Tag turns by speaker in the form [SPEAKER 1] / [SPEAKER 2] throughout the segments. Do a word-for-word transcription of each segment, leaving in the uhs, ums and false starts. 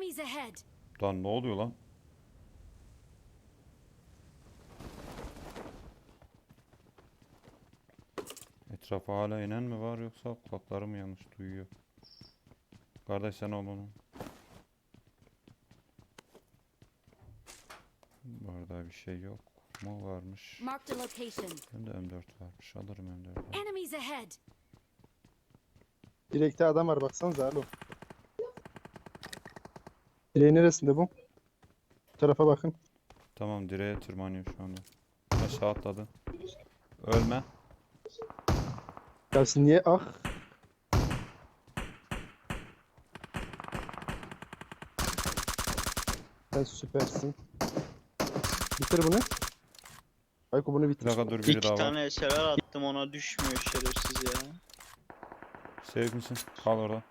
[SPEAKER 1] Enemies ahead.
[SPEAKER 2] Lan ne oluyor lan? Etrafa hala inen mi var yoksa kulaklarım mı yanlış duyuyor? Kardeş sen ol onu. Bu arada bir şey yok mu varmış?
[SPEAKER 1] Marked a location.
[SPEAKER 2] Bende M dört varmış. Alırım M dört.
[SPEAKER 1] Enemies ahead.
[SPEAKER 3] Direkte adam var baksanıza alo. Direğin neresinde bu? Bu tarafa bakın.
[SPEAKER 2] Tamam direğe tırmanıyor şu anda. Aşağı atladı. Ölme.
[SPEAKER 3] Ya siz niye ah? Sen süpersin. Bitir bunu. Ayko bunu
[SPEAKER 2] Bir
[SPEAKER 3] bitir.
[SPEAKER 2] dakika dur biri
[SPEAKER 4] İki
[SPEAKER 2] daha var.
[SPEAKER 4] tane eserler attım ona düşmüyor şerefsiz ya.
[SPEAKER 2] Sevip misin? Kal orada.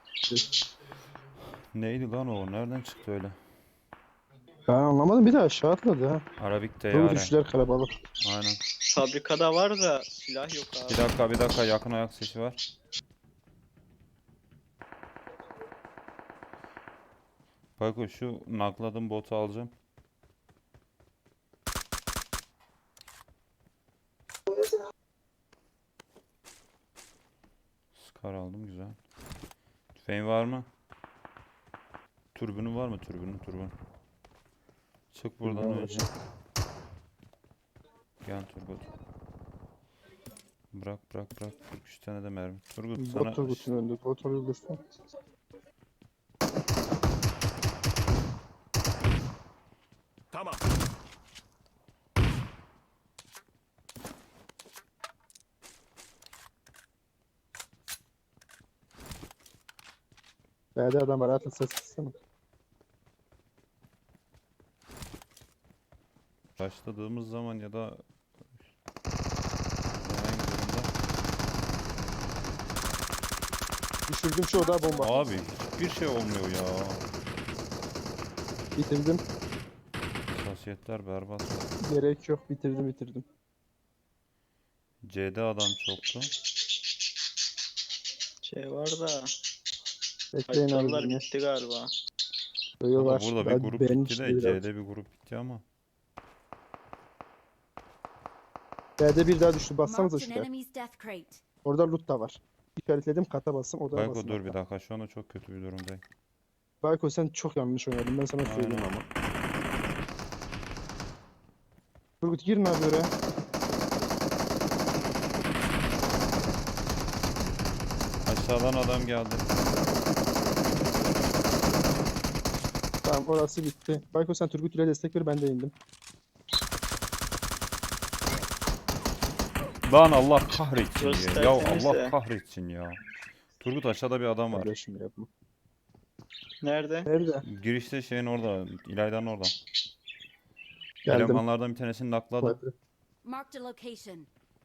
[SPEAKER 2] Neydi lan o? Nereden çıktı öyle?
[SPEAKER 3] Ben anlamadım, bir de aşağı atladı ha.
[SPEAKER 2] Arabik
[SPEAKER 3] Bu
[SPEAKER 2] teyare.
[SPEAKER 3] düşüşler kalabalık.
[SPEAKER 2] Aynen.
[SPEAKER 4] Fabrikada var da silah yok abi.
[SPEAKER 2] Bir dakika bir dakika yakın ayak sesi var. Bak o şu nakladım botu alacağım. Scar aldım güzel. Tüfeğin var mı? Türbünün var mı? Türbünün türbün. Çık buradan
[SPEAKER 3] Türbün var.
[SPEAKER 2] önce. Gel Turgut. Bırak bırak bırak. kırk üç tane de mermi. Turgut sana
[SPEAKER 3] Bot Turgut'un önünde. Bot Turgut'un.
[SPEAKER 5] Tamam.
[SPEAKER 3] B'de adam var, atın ses kısmı.
[SPEAKER 2] başladığımız zaman ya da herhangi bir durumda.
[SPEAKER 3] Düşürdüm şu odağa bomba.
[SPEAKER 2] Abi hiçbir şey olmuyor ya.
[SPEAKER 3] Bitirdim.
[SPEAKER 2] Hassasiyetler berbat.
[SPEAKER 3] Gerek yok, bitirdim bitirdim.
[SPEAKER 2] C'de adam çoktu.
[SPEAKER 4] Şey var da
[SPEAKER 3] Bekleyin abi
[SPEAKER 4] haritalar
[SPEAKER 3] beni.
[SPEAKER 4] bitti galiba.
[SPEAKER 3] Yo,
[SPEAKER 2] Valla
[SPEAKER 3] var.
[SPEAKER 2] burada bir
[SPEAKER 3] Daha
[SPEAKER 2] grup
[SPEAKER 3] B'nin
[SPEAKER 2] bitti
[SPEAKER 3] içinde
[SPEAKER 2] de
[SPEAKER 3] biraz.
[SPEAKER 2] C'de bir grup bitti ama.
[SPEAKER 3] B'de bir daha düştü. Bassanıza
[SPEAKER 1] Marked an
[SPEAKER 3] şuraya.
[SPEAKER 1] enemy's death crate.
[SPEAKER 3] Orada loot da var. İşaretledim, kata bastım, odaya
[SPEAKER 2] Bayko
[SPEAKER 3] bastım.
[SPEAKER 2] dur bir
[SPEAKER 3] hatta.
[SPEAKER 2] dakika şu anda çok kötü bir durumdayım.
[SPEAKER 3] Bayko sen çok yanlış oynadın, ben sana söyleyeyim
[SPEAKER 2] Aynen.
[SPEAKER 3] ama. Turgut girin abi oraya.
[SPEAKER 2] Aşağıdan adam geldi.
[SPEAKER 3] Tamam, orası bitti. Bayko sen Turgut ile destek ver, ben de indim.
[SPEAKER 2] Lan Allah kahretsin
[SPEAKER 4] Burası
[SPEAKER 2] ya. Ya
[SPEAKER 4] tertemiz
[SPEAKER 2] Allah
[SPEAKER 4] de.
[SPEAKER 2] kahretsin ya. Turgut aşağıda bir adam var.
[SPEAKER 3] Kardeşim yapma.
[SPEAKER 4] Nerede?
[SPEAKER 3] Nerede?
[SPEAKER 2] Girişte şeyin orada. İlayda'nın orada.
[SPEAKER 3] Geldim.
[SPEAKER 2] Elemanlardan bir tanesini nakladım.
[SPEAKER 3] Hadi.
[SPEAKER 1] Marked a location.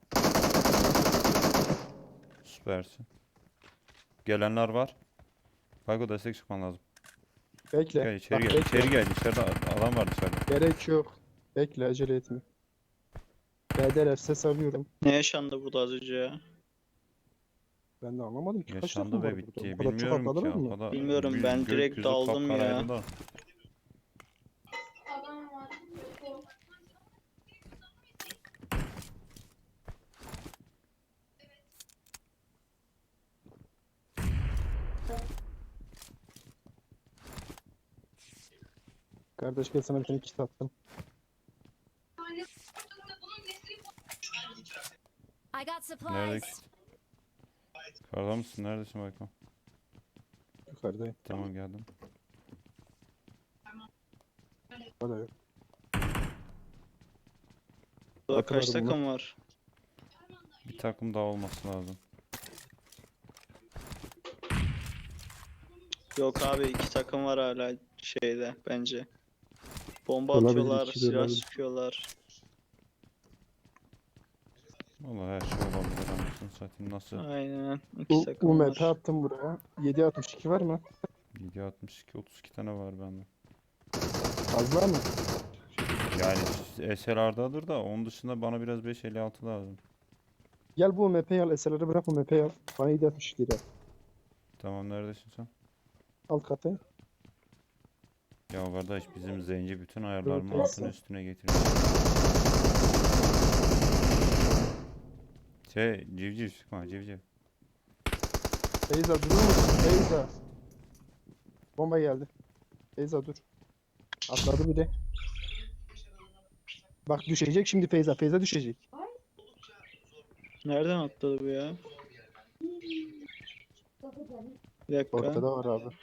[SPEAKER 2] Süpersin. Gelenler var. Bayko destek çıkman lazım.
[SPEAKER 3] Bekle.
[SPEAKER 2] Gel içeri
[SPEAKER 3] Bak,
[SPEAKER 2] gel.
[SPEAKER 3] bekle.
[SPEAKER 2] İçeri gel. İçeride adam var dışarıda.
[SPEAKER 3] Gerek yok. Bekle, acele etme. B'deler, ses alıyorum.
[SPEAKER 4] Ne yaşandı burada az önce ya?
[SPEAKER 3] Ben de anlamadım ki. Kaç
[SPEAKER 2] Yaşandı
[SPEAKER 3] takım
[SPEAKER 2] ve
[SPEAKER 3] var burada?
[SPEAKER 2] bitti.
[SPEAKER 3] O kadar çok
[SPEAKER 2] Bilmiyorum ki.
[SPEAKER 3] atladılar mı?
[SPEAKER 2] O kadar
[SPEAKER 4] Bilmiyorum,
[SPEAKER 2] gö-
[SPEAKER 4] ben direkt
[SPEAKER 2] gökyüzü
[SPEAKER 4] daldım ya.
[SPEAKER 2] kapkaraydı da.
[SPEAKER 3] Kardeş gel, sana bir tane kit attım.
[SPEAKER 1] I got
[SPEAKER 2] Nerede
[SPEAKER 1] supplies.
[SPEAKER 2] ki? Yukarıda mısın? Neredesin Bayko?
[SPEAKER 3] Yukarıdayım.
[SPEAKER 2] Tamam geldim.
[SPEAKER 3] O da yok.
[SPEAKER 4] Burada
[SPEAKER 3] Bakın
[SPEAKER 4] kaç
[SPEAKER 3] abi bunu.
[SPEAKER 4] takım var?
[SPEAKER 2] Bir takım daha olması lazım.
[SPEAKER 4] Yok abi, iki takım var hala şeyde bence. Bomba
[SPEAKER 3] Olabilir,
[SPEAKER 4] atıyorlar,
[SPEAKER 3] iki de
[SPEAKER 4] silah
[SPEAKER 3] olabilir.
[SPEAKER 4] sıkıyorlar.
[SPEAKER 2] Vallahi her şey olabilir anasını satayım nasıl?
[SPEAKER 4] Aynen, iki
[SPEAKER 3] Bu
[SPEAKER 4] takım
[SPEAKER 3] U M
[SPEAKER 4] var.
[SPEAKER 3] P attım buraya. yedi altmış iki var mı?
[SPEAKER 2] yedi altmış iki otuz iki tane var bende.
[SPEAKER 3] Fazla mı?
[SPEAKER 2] Yani S L R'dadır da onun dışında bana biraz beş elli altı lazım.
[SPEAKER 3] Gel bu U M P'yi al. S L R'ı bırak, U M P'yi al. Bana yedi altmış iki lira.
[SPEAKER 2] Tamam neredesin sen?
[SPEAKER 3] Alt katı.
[SPEAKER 2] Ya kardeş bizim zenci bütün ayarlarımın
[SPEAKER 3] Evet,
[SPEAKER 2] altını
[SPEAKER 3] evet.
[SPEAKER 2] üstüne getiriyor. Şey civciv çıkma civciv.
[SPEAKER 3] Feyza durur musun? Feyza. Bomba geldi. Feyza dur. Atladı bir de. Bak düşecek şimdi Feyza. Feyza düşecek.
[SPEAKER 4] Nereden atladı bu ya? Bir dakika.
[SPEAKER 3] Ortada var abi.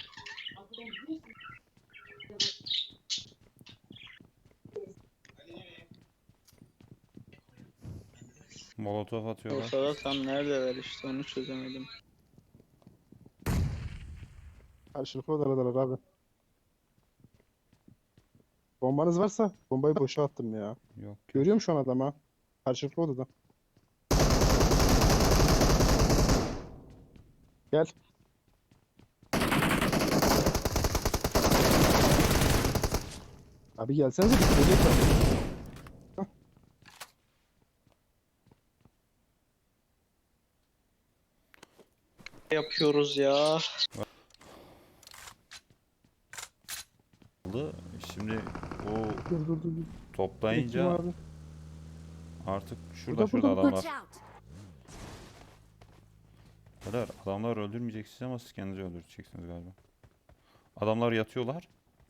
[SPEAKER 2] Molotof atıyorlar.
[SPEAKER 4] Ortada tam neredeler işte onu çözemedim.
[SPEAKER 3] Karşılıklı odadalar abi. Bombanız varsa bombayı boşa attım ya.
[SPEAKER 2] Yok.
[SPEAKER 3] Görüyorum şu an adamı. Karşılıklı odada. Gel. Abi gelsenize bitirecek abi.
[SPEAKER 4] Yapıyoruz ya.
[SPEAKER 2] Oldu. Şimdi o
[SPEAKER 3] Dur dur dur. dur.
[SPEAKER 2] toplayınca
[SPEAKER 3] Bekliyorum abi.
[SPEAKER 2] artık şurada
[SPEAKER 3] Burada,
[SPEAKER 2] şurada
[SPEAKER 3] burada,
[SPEAKER 1] Watch
[SPEAKER 2] adamlar.
[SPEAKER 1] out.
[SPEAKER 2] Kadar adamlar öldürmeyeceksiniz ama siz kendinizi öldüreceksiniz galiba. Adamlar yatıyorlar.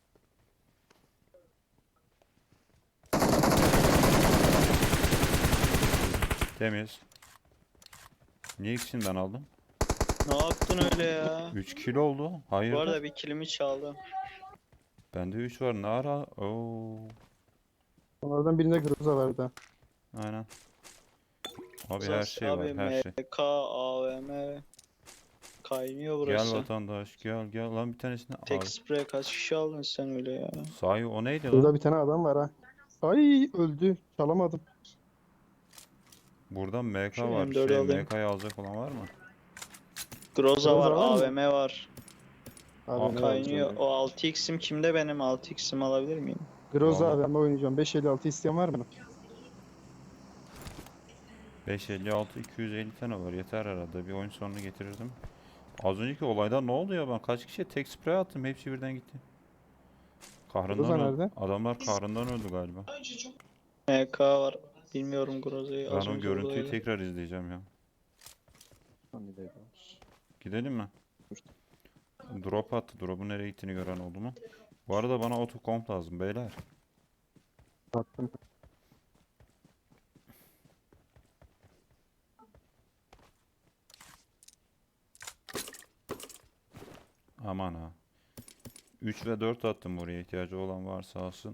[SPEAKER 2] Temiz. Niye ikisini ben aldım?
[SPEAKER 4] Ne yaptın öyle ya?
[SPEAKER 2] üç kilo oldu. Hayır.
[SPEAKER 4] Bu arada bir kilimi çaldım.
[SPEAKER 2] Bende üç var. Ne ara? Oo.
[SPEAKER 3] Onlardan birinde Groza vardı.
[SPEAKER 2] Aynen. Abi her
[SPEAKER 4] Zas
[SPEAKER 2] şey
[SPEAKER 4] abi
[SPEAKER 2] var, her şey.
[SPEAKER 4] M K, A V M kaynıyor
[SPEAKER 2] Gel
[SPEAKER 4] burası.
[SPEAKER 2] vatandaş, gel gel lan bir tanesini
[SPEAKER 4] Tek
[SPEAKER 2] al.
[SPEAKER 4] sprey kaç kişi aldın sen öyle ya?
[SPEAKER 2] Sahi o neydi lan?
[SPEAKER 3] Burada bir tane adam var ha. Ay öldü. Çalamadım.
[SPEAKER 2] Buradan M K
[SPEAKER 4] Şu
[SPEAKER 2] var.
[SPEAKER 4] M dördü
[SPEAKER 2] Şey
[SPEAKER 4] alayım.
[SPEAKER 2] M K'yı alacak olan var mı?
[SPEAKER 4] Groza var,
[SPEAKER 3] Groza var mı?
[SPEAKER 4] A V M var.
[SPEAKER 3] Abi ne
[SPEAKER 4] Kaynıyor.
[SPEAKER 3] yapacağım ya?
[SPEAKER 4] O altı x'im kimde benim? altı x'imi alabilir miyim?
[SPEAKER 3] Groza
[SPEAKER 2] Vallahi.
[SPEAKER 3] abi ben oynayacağım. beş elli altı isteyen var mı?
[SPEAKER 2] beş elli altı iki yüz elli tane var. Yeter herhalde. Bir oyun sonunu getirirdim. Az önceki olayda ne oldu ya? Ben kaç kişiye tek sprey attım. Hepsi birden gitti. Kahrından
[SPEAKER 3] Groza
[SPEAKER 2] öldü.
[SPEAKER 3] nerede?
[SPEAKER 2] Adamlar kahrından öldü galiba.
[SPEAKER 4] M K var. Bilmiyorum Groza'yı.
[SPEAKER 2] Ben
[SPEAKER 4] Az
[SPEAKER 2] o
[SPEAKER 4] önce
[SPEAKER 2] görüntüyü
[SPEAKER 4] buradaydı.
[SPEAKER 2] tekrar izleyeceğim ya. Gidelim mi? Drop attı. Drop'un nereye gittiğini gören oldu mu? Bu arada bana autocomp lazım beyler.
[SPEAKER 3] Attım.
[SPEAKER 2] Aman ha. üç ve dört attım buraya. İhtiyacı olan varsa alsın.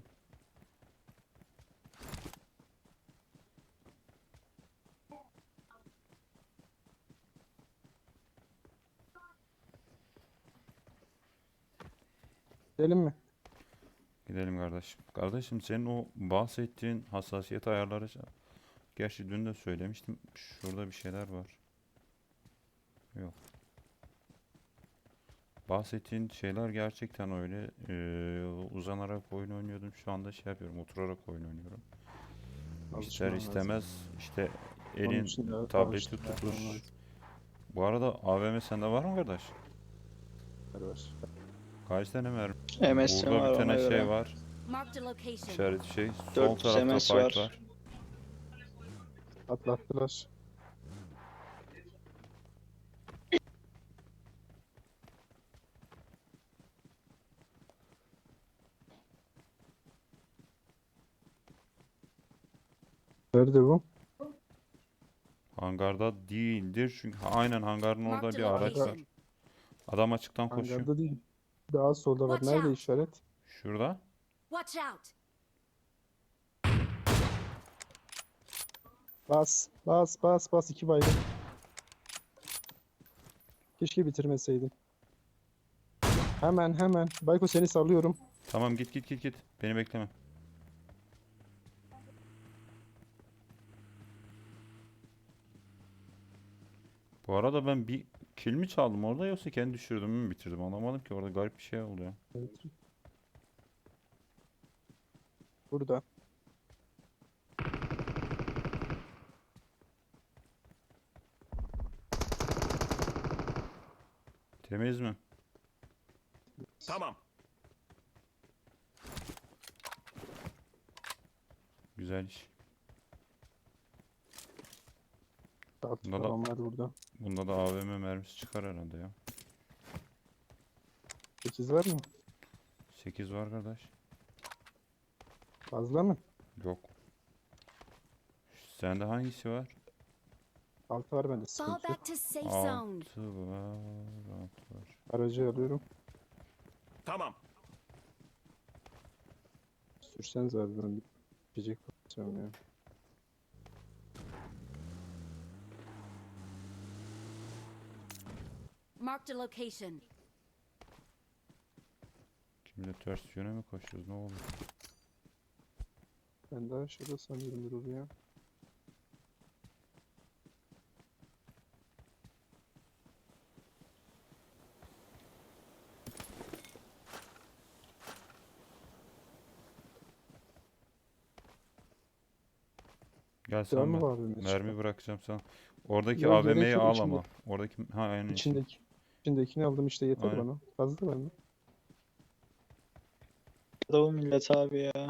[SPEAKER 3] Gidelim mi?
[SPEAKER 2] Gidelim kardeşim. Kardeşim senin o bahsettiğin hassasiyet ayarları, gerçi dün de söylemiştim. Şurada bir şeyler var. Yok. Bahsettiğin şeyler gerçekten öyle. Ee, uzanarak oyun oynuyordum. Şu anda şey yapıyorum. Oturarak oyun oynuyorum. İster
[SPEAKER 3] Alışman lazım.
[SPEAKER 2] istemez işte
[SPEAKER 3] Onun
[SPEAKER 2] elin
[SPEAKER 3] için de
[SPEAKER 2] tableti
[SPEAKER 3] alıştırma
[SPEAKER 2] tutuş.
[SPEAKER 3] yapmam lazım.
[SPEAKER 2] Bu arada A V M sende var mı kardeş?
[SPEAKER 3] Var, var.
[SPEAKER 2] Kaç tane mermi?
[SPEAKER 4] M S'im
[SPEAKER 2] Burada
[SPEAKER 4] var
[SPEAKER 2] bir
[SPEAKER 4] ona
[SPEAKER 2] tane
[SPEAKER 4] göre.
[SPEAKER 2] şey var.
[SPEAKER 1] Marked a location.
[SPEAKER 2] İşaret şey. Sol
[SPEAKER 4] dört yüz
[SPEAKER 2] tarafta
[SPEAKER 4] M S
[SPEAKER 2] fight
[SPEAKER 4] var.
[SPEAKER 2] var.
[SPEAKER 3] Atlattılar. Nerede bu?
[SPEAKER 2] Hangarda değildir çünkü ha, aynen hangarın orada
[SPEAKER 1] Marked
[SPEAKER 2] bir
[SPEAKER 1] a
[SPEAKER 2] araç var.
[SPEAKER 1] location.
[SPEAKER 2] Adam açıktan koşuyor.
[SPEAKER 3] Hangarda değil. Daha solda var.
[SPEAKER 1] Watch
[SPEAKER 3] Nerede
[SPEAKER 1] out.
[SPEAKER 3] işaret?
[SPEAKER 2] Şurada.
[SPEAKER 1] Watch out.
[SPEAKER 3] Bas. Bas bas bas. iki baygın. Keşke bitirmeseydim. Hemen hemen. Bayko seni sallıyorum.
[SPEAKER 2] Tamam git git git git. Beni bekleme. Bu arada ben bir kill mi çaldım orada yoksa kendi düşürdüm mü bitirdim anlamadım ki, orada garip bir şey oldu ya.
[SPEAKER 3] Evet. Burada.
[SPEAKER 2] Temiz mi?
[SPEAKER 5] Tamam.
[SPEAKER 2] Güzel iş.
[SPEAKER 3] Saat
[SPEAKER 2] Bunda da-
[SPEAKER 3] falan var burada.
[SPEAKER 2] Bunda da A V M mermisi çıkar herhalde ya.
[SPEAKER 3] sekiz var mı?
[SPEAKER 2] sekiz var kardeş.
[SPEAKER 3] Fazla mı?
[SPEAKER 2] Yok. Sende hangisi var?
[SPEAKER 3] altı var bende,
[SPEAKER 1] Fall
[SPEAKER 3] sıkıntı yok.
[SPEAKER 1] back to safe zone.
[SPEAKER 2] altı var. altı var.
[SPEAKER 3] Aracı alıyorum.
[SPEAKER 5] Tamam.
[SPEAKER 3] Sürseniz abi, ben bir içecek bakacağım ya.
[SPEAKER 1] Marked a location.
[SPEAKER 2] Şimdi ters yöne mi koşuyoruz? Ne oldu?
[SPEAKER 3] Ben daha aşağıda sanıyorum Durul ya.
[SPEAKER 2] Gel sen
[SPEAKER 3] Devam
[SPEAKER 2] ben.
[SPEAKER 3] mı abi?
[SPEAKER 2] Mermi bırakacağım sana. Oradaki
[SPEAKER 3] Yok, gerek
[SPEAKER 2] A V M'yi
[SPEAKER 3] yok,
[SPEAKER 2] al
[SPEAKER 3] içinde-
[SPEAKER 2] ama. Oradaki ha aynen içinde.
[SPEAKER 3] İçindeki. İçindekini aldım işte, yeter
[SPEAKER 2] Aynen.
[SPEAKER 3] bana. Fazla bende.
[SPEAKER 4] Da o millet abi ya.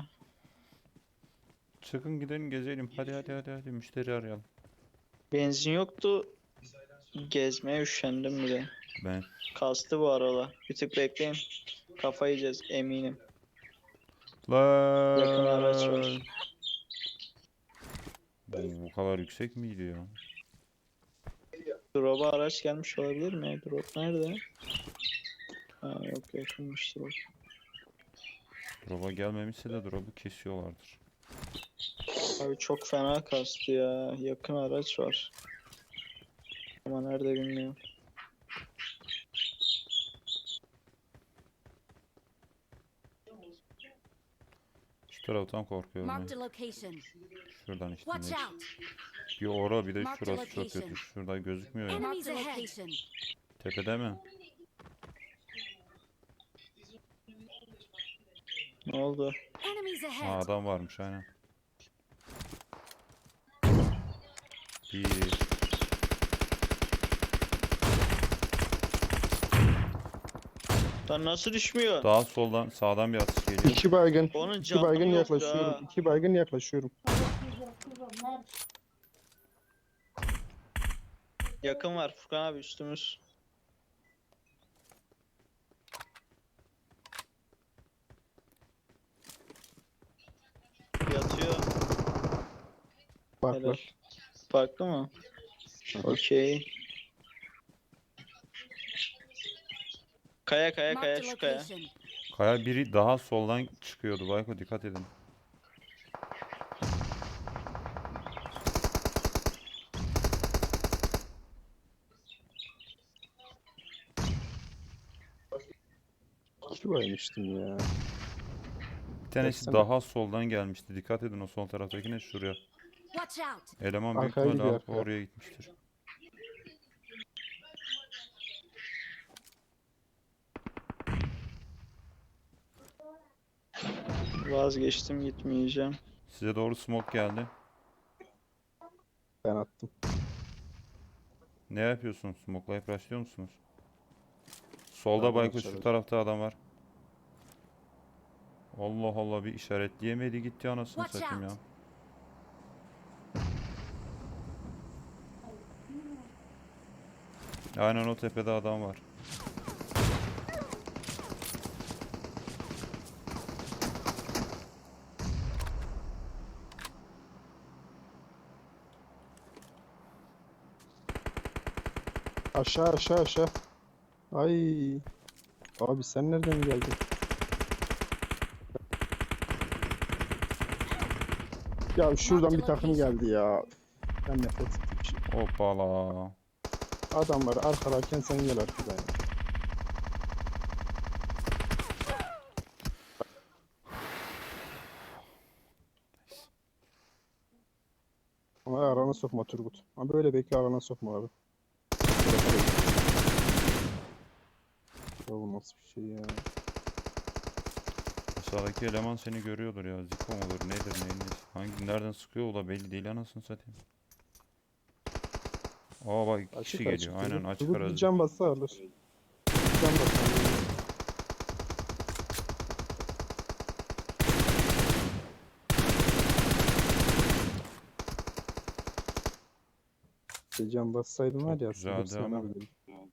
[SPEAKER 2] Çıkın gidelim gezelim. Hadi hadi hadi hadi müşteri arayalım.
[SPEAKER 4] Benzin yoktu. Gezmeye üşendim bile.
[SPEAKER 2] Ben
[SPEAKER 4] Kastı bu aralar. Bir tık bekleyin. Kafa yiyeceğiz eminim. Yakın araç var.
[SPEAKER 2] lan. Bu, bu kadar yüksek miydi ya?
[SPEAKER 4] Drop'a araç gelmiş olabilir mi? Drop nerede? Ha yok, yakınmış drop.
[SPEAKER 2] Drop'a gelmemişse de drop'u kesiyorlardır.
[SPEAKER 4] Abi çok fena kastı ya. Yakın araç var. Ama nerede bilmiyorum.
[SPEAKER 2] Şu taraftan korkuyorum
[SPEAKER 1] Marked
[SPEAKER 2] ben.
[SPEAKER 1] a location.
[SPEAKER 2] Şuradan işte.
[SPEAKER 1] Watch
[SPEAKER 2] ne-
[SPEAKER 1] out.
[SPEAKER 2] Bir ora bir de
[SPEAKER 1] Mark the
[SPEAKER 2] şurası çok
[SPEAKER 1] location.
[SPEAKER 2] kötü. Şurada gözükmüyor ya.
[SPEAKER 1] Enemies ahead.
[SPEAKER 2] Tepede mi?
[SPEAKER 4] Ne oldu?
[SPEAKER 1] Enemies
[SPEAKER 2] Ha,
[SPEAKER 1] ahead.
[SPEAKER 2] adam varmış aynen. Bir.
[SPEAKER 4] Lan nasıl düşmüyor?
[SPEAKER 2] Daha soldan sağdan bir atış geliyor.
[SPEAKER 3] İki baygın.
[SPEAKER 4] Onun
[SPEAKER 3] İki
[SPEAKER 4] canı
[SPEAKER 3] baygın
[SPEAKER 4] yoktu
[SPEAKER 3] yaklaşıyorum.
[SPEAKER 4] ha.
[SPEAKER 3] İki baygın yaklaşıyorum.
[SPEAKER 4] Yakın var Furkan abi, üstümüz. Yatıyor.
[SPEAKER 3] Bak
[SPEAKER 4] Helal.
[SPEAKER 3] var.
[SPEAKER 4] Farklı mı? Okey. Kaya kaya kaya
[SPEAKER 1] Marked a
[SPEAKER 4] şu kaya.
[SPEAKER 1] location.
[SPEAKER 2] Kaya biri daha soldan çıkıyordu. Bayko dikkat edin.
[SPEAKER 3] İki baymıştım ya.
[SPEAKER 2] Bir tanesi
[SPEAKER 3] Baksana.
[SPEAKER 2] daha soldan gelmişti. Dikkat edin o sol taraftakine şuraya.
[SPEAKER 1] Watch out.
[SPEAKER 2] Eleman büyük
[SPEAKER 3] Arkaya
[SPEAKER 2] ihtimalle
[SPEAKER 3] gidiyor,
[SPEAKER 2] alıp
[SPEAKER 3] arkaya.
[SPEAKER 2] oraya gitmiştir.
[SPEAKER 4] Vazgeçtim, gitmeyeceğim.
[SPEAKER 2] Size doğru smoke geldi.
[SPEAKER 3] Ben attım.
[SPEAKER 2] Ne yapıyorsunuz? Smoke'layıp rushlıyor musunuz? Solda
[SPEAKER 3] Pardon,
[SPEAKER 2] Bayko şu
[SPEAKER 3] aşağıda.
[SPEAKER 2] tarafta adam var. Allah Allah, bir işaretleyemedi gitti anasını
[SPEAKER 1] Watch
[SPEAKER 2] satayım ya.
[SPEAKER 1] out.
[SPEAKER 2] Aynen o tepede adam var.
[SPEAKER 3] Aşağı aşağı aşağı. Ay. Abi sen nereden geldin? Ya şuradan bir takım geldi ya. Ben nefret ettim şimdi.
[SPEAKER 2] Hoppala.
[SPEAKER 3] Adamlar arkalarken sen gel arkadan ya. Ama arana sokma Turgut. Ama böyle bekle, arana sokma abi. Ya bu nasıl bir şey ya?
[SPEAKER 2] Aşağıdaki eleman seni görüyordur ya. Ziko mudur nedir neyin nesi? Hangi nereden sıkıyor o da belli değil anasını satayım. Aa bak iki kişi
[SPEAKER 3] Açık açık.
[SPEAKER 2] geliyor. Aynen
[SPEAKER 3] Turgut.
[SPEAKER 2] açık
[SPEAKER 3] Turgut bir
[SPEAKER 2] arazi.
[SPEAKER 3] can bassa alır. Bir can bassa alır. İşte can bassaydın var
[SPEAKER 2] Çok
[SPEAKER 3] ya
[SPEAKER 2] güzeldi
[SPEAKER 3] aslında
[SPEAKER 2] ama.
[SPEAKER 3] sanabilirdim.